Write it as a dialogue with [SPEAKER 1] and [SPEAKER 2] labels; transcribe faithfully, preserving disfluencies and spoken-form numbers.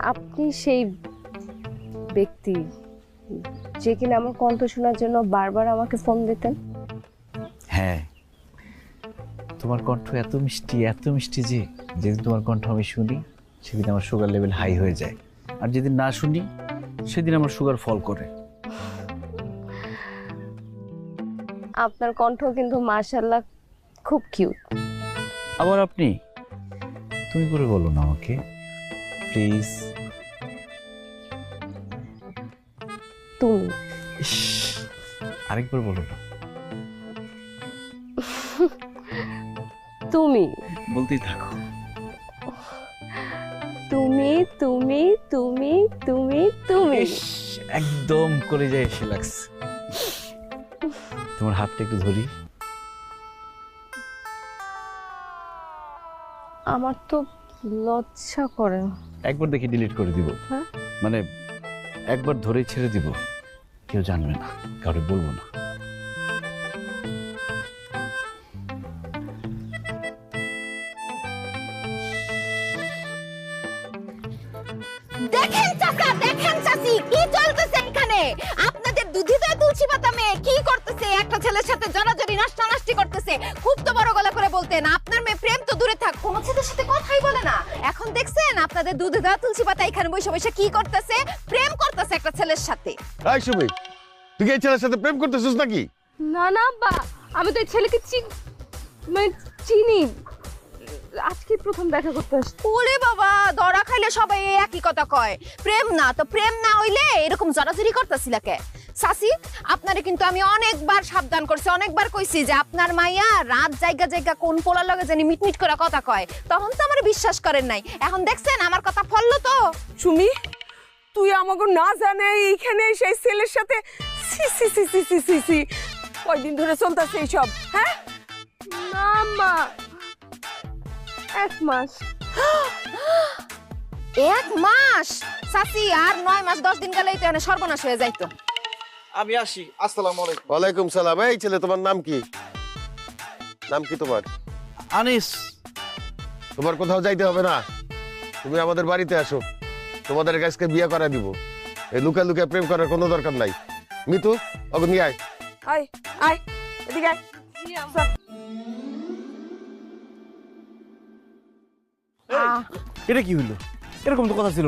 [SPEAKER 1] আপনি সেই ব্যক্তি যে কিনা আমার কণ্ঠ শোনার জন্য বারবার আমাকে ফোন দিতেন।
[SPEAKER 2] হ্যাঁ, তোমার কণ্ঠ এত মিষ্টি এত মিষ্টি যে যেদিন তোমার কণ্ঠ আমি শুনি সেদিন আমার সুগার লেভেল হাই হয়ে যায়, আর যেদিন না শুনি সেদিন আমার সুগার ফল করে।
[SPEAKER 1] আপনার কণ্ঠ কিন্তু মাশাআল্লাহ খুব কিউট।
[SPEAKER 2] আবার আপনি তুমি করে বলো না আমাকে প্লিজ।
[SPEAKER 1] তুমি
[SPEAKER 2] আরেকবার বলো না।
[SPEAKER 1] তুমি
[SPEAKER 2] বলতেই থাকো।
[SPEAKER 1] তুমি তুমি তুমি তুমি তুমি
[SPEAKER 2] ইস, একদম কলেজায় এসে লাগছে। তোমার হাতটা একটু ধরি।
[SPEAKER 1] আমার তো লজ্জা করে।
[SPEAKER 2] একবার দেখি ডিলিট করে দিব।
[SPEAKER 1] হ্যাঁ?
[SPEAKER 2] মানে একবার ধরেই ছেড়ে দিব, কেউ জানবে না, কাউকে বলবো না।
[SPEAKER 3] দেখেন চাচা, দেখেন চাচি, কি চলতেছে এখানে? আপনাদের দুধিত তুলসী পাতা মেয়ে কি করতেছে? একটা ছেলের সাথে জড়াজড়ি নাষ্টানাষ্টি করতেছে। খুব তো বড় গলা করে বলতেন, আপনার মেয়ে প্রেম তো দূরে থাক, কোন ছেলের সাথে কথাই বলে না। এখন দেখছেন আপনাদের দুধিত তুলসী পাতা এখানে বসে বসে কি করতেছে? প্রেম করতেছে একটা ছেলের সাথে।
[SPEAKER 4] এই সুমি, তুই কি এই ছেলের সাথে প্রেম করতেছিস নাকি?
[SPEAKER 1] না না বা আমি তো এই ছেলেকে চিন মানে চিনি, আজকে প্রথম দেখা করতে আসছি।
[SPEAKER 3] ওরে বাবা, ধরা খাইলে সবাই এই একই কথা কয়, প্রেম না তো প্রেম না হইলে এরকম জড়াজড়ি করতেছিল কে? সাসি, আপনারে কিন্তু আমি অনেকবার সাবধান করছি, অনেকবার কইছি যে আপনার মাইয়া রাত জায়গা জায়গা কোন পোলার লগে জানি মিটমিট করে কথা কয়, তখন তো আমার বিশ্বাস করেন নাই। এখন দেখছেন আমার কথা ফললো তো।
[SPEAKER 5] সুমি, তুই আমাকে না জানে এইখানে সেই ছেলের সাথে সি সি সি সি সি সি সি কয়দিন ধরে চলতেছে এইসব? হ্যাঁ
[SPEAKER 1] না মা, এক মাস।
[SPEAKER 3] এক মাস? সাসি, আর নয় মাস দশ দিন গেলেই তো এখানে সর্বনাশ হয়ে যাইতো।
[SPEAKER 6] আমি আসি। আসসালামু আলাইকুম।
[SPEAKER 4] ওয়ালাইকুম সালাম। এই ছেলে, তোমার নাম কি? নাম কি তোমার?
[SPEAKER 6] আনিস।
[SPEAKER 4] তোমার কোথাও যাইতে হবে না, তুমি আমাদের বাড়িতে আসো, তোমাদের কাছকে বিয়ে করা দিব। এই লুকা লুকা প্রেম করার কোনো দরকার নাই। মিতু, ওকে নিয়ে আয়।
[SPEAKER 5] আয় আয় এদিকে আয়।
[SPEAKER 2] এটা কি হইলো? এরকম তো কথা ছিল